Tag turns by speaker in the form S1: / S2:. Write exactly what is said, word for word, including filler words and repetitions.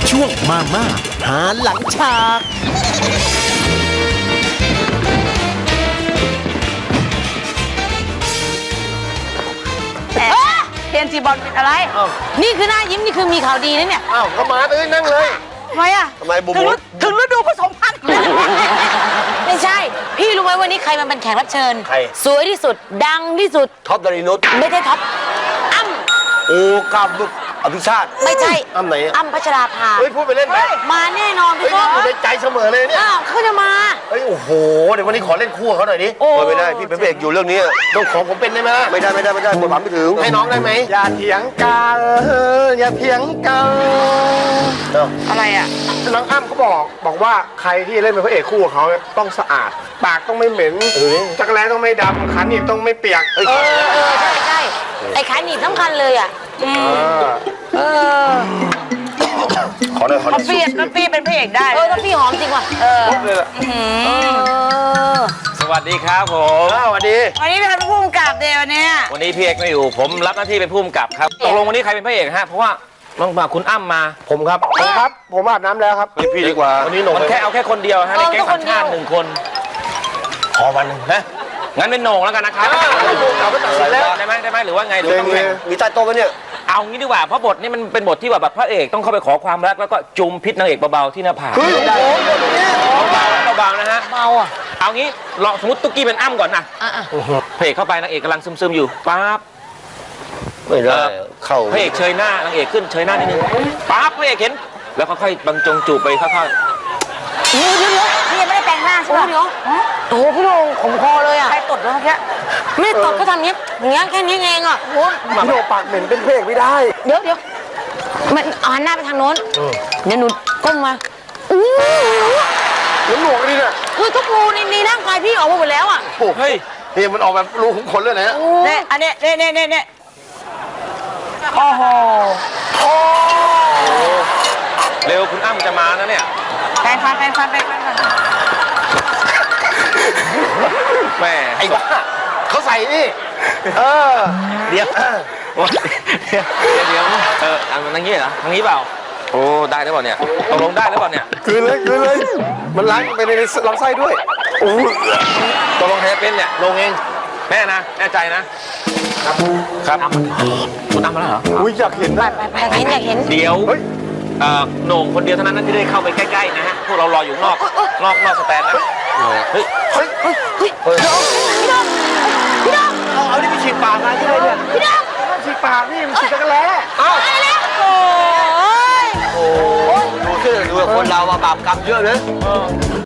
S1: ช่วงมาม่าหาหลังฉาก
S2: เทียนจีบอลเป็นอะไรนี่คือหน้ายิ้มนี่คือมีข่าวดีนะเนี่ย
S3: อ้าวก็มาเลยนั่งเลย
S2: ทำไมอ่ะ
S3: ทำไมบุ๋ม
S2: ถึงฤดูผสมพันธุ์ไม่ใช่พี่รู้ไหมวันนี้ใครมันเป็นแขกรับเชิญ
S3: ใคร
S2: สวยที่สุดดังที่สุด
S3: ท็อปดารินุช
S2: ไม่ใช่ท็อปอ้ำ
S3: โอ้กับอภิชาติ
S2: ไม่ใช่
S3: อ้ำไหน
S2: อ้ำพัชราภา
S3: เฮ้ยพูดไปเล่นไป
S2: มาแน่นอนพี่ก้อง
S3: อยู่ในใจเสมอเลยเนี่ย
S2: อ้าวเขาจะมา
S3: เฮ้ยโอ้โหเดี๋ยววันนี้ขอเล่นคู่เขาหน่อยดิโอ้ไม่ได้พี่เป็นเอกอยู่เรื่องนี้ต้องขอผมเป็นได้ไหมไม่ได้ไม่ได้ไม่ได้บทบาทไม่ถึงให้น้องได้ไหมอย่าเถียงกันอย่าเถียงกัน
S2: อะไรอ่ะ
S3: น้องอ้ำเขาบอกบอกว่าใครที่เล่นเป็นพระเอกคู่กับเขาต้องสะอาดปากต้องไม่เหม็นจักรแร้ต้องไม่ดำขันหนีบต้องไม่เปียก
S2: เออเออใช่ใช่ไอ้ขาหนีบสำคัญเลยอ่ะเออ
S3: ขอหน่อยขอหน่อย
S2: พี่พี่เป็นพระเอกได้เออถ้าพี่หอมจริงว่ะเออ
S4: สวัสดีครับผม
S3: สวัสดี
S2: วันนี้เป็นผู้กำกับเดวันนี้
S4: วันนี้พี่เอกไม่อยู่ผมรับหน้าที่เป็นผู้กำกับครับตกลงวันนี้ใครเป็นพระเอกฮะเพราะว่าต้องมาคุณอ้ำมา
S3: ผมครับผมครับผมอาบน้ำแล้วครับพี่ดีกว่าวันนี้หนุ่ม
S4: มันแค่เอาแค่คนเดียวฮะในแก๊งสัญชาติหนึ่งคน
S3: ขอวันหนึ่งนะ
S4: งั้นเป็นโหน่งแล้วกันนะครับ
S3: เราก็ตัดสินแล้ว
S4: ได้ไหมได้ไหมหรือว่าไงหรือต้อง
S3: มีใต้โต๊ะไหมเนี่ย
S4: เอางี้ดีกว่าเพราะบทนี้มันเป็นบทที่แบบพระเอกต้องเข้าไปขอความรักแล้วก็จุมพิษนางเอกเบาๆที่หน้าผากเบาๆเบาๆนะฮะ
S2: เบาอ่ะ
S4: เอางี้ลองสมมติตุ๊กกี้เป็นอ้ำก่อนนะพระเอกเข้าไปนางเอกกำลังซึมๆอยู่ปั๊บ
S3: ไม่ได้เข้า
S4: พระเอกเชยหน้านางเอกขึ้นเชยหน้านิดนึงปั๊บพระเอกเห็นแล้วค่อยๆบรรจงจูบไปค่อย
S2: ๆเดี๋ยวเดี๋ยวพี่ยังไม่ได้แต่งหน้าใช่ไหมเดี๋ยวโอ้พี่โดงขมคอเลยอ่ะใครตดวะแค่ไม่ตดก็ทำเนี้ยอย่างเงี้ยแค่นี้เองอ่ะโอ้
S3: พี่โดปากเหม็นเป็นเพกไม่ได้
S2: เดี๋ยวเดี๋ยวมันหันหน้าไปทางโน้นเดี๋ยวหนูก้มมาอู้
S3: หนูหนวกนี่เนี่ย
S2: คือทุกรูในในร่างกายพี่ออกมาหมดแล้วอ่ะ
S3: เฮ้ยเฮ้ยมันออกแบบรูขุมขนเลยนะ
S2: เนี่ยอันเนี้ยเนี่ยเนี่ยเนี่ยโอ้โหโอ้
S4: เร็วคุณอ้ำจะมานะเนี่ย
S2: แปรงฟันแปรงฟันแปรงฟัน
S4: แม่
S3: ไอ้บ้าเขาใส่นี่เออ
S4: เดี๋ยวเดี๋ยวเดี๋ยวเออทางนี้เหรอทางนี้เปล่าโอ้ได้หรือเปล่าเนี่ยตกลงได้หรือเปล่าเนี่ย
S3: คืนเลยคืนเลยมันล้างไปในลำไส้ด้วยโอ้
S4: ตกลงแท้เป็นเนี่ยลงเองแน่นะแน่ใจนะครับครับคุณอ้ำมาแล้วเหรอ
S3: อุ้ยอยากเห็นนะ
S2: อยากเห็นอยากเห็น
S4: เดี๋ยวโหน่งคนเดียวเท่านั้นที่ได้เข้าไปใกล้ๆนะฮะพวกเรารออยู่นอกนอกนอกสแตนนะเฮ้ย
S2: เฮ้ยเฮ้ยเฮ้ยพี่ดองพี่ดองพี่ดอง
S3: เอาเอานี่ไปฉีดปากมาที่ไหนเนี่ย
S2: พี่ดอง
S3: ฉีดปากนี่มันฉีดจักรแร้
S2: เอ้าแล้วโอ้ย
S3: โอ้ดูสิดูคนเราบาปกรรมเยอะเลย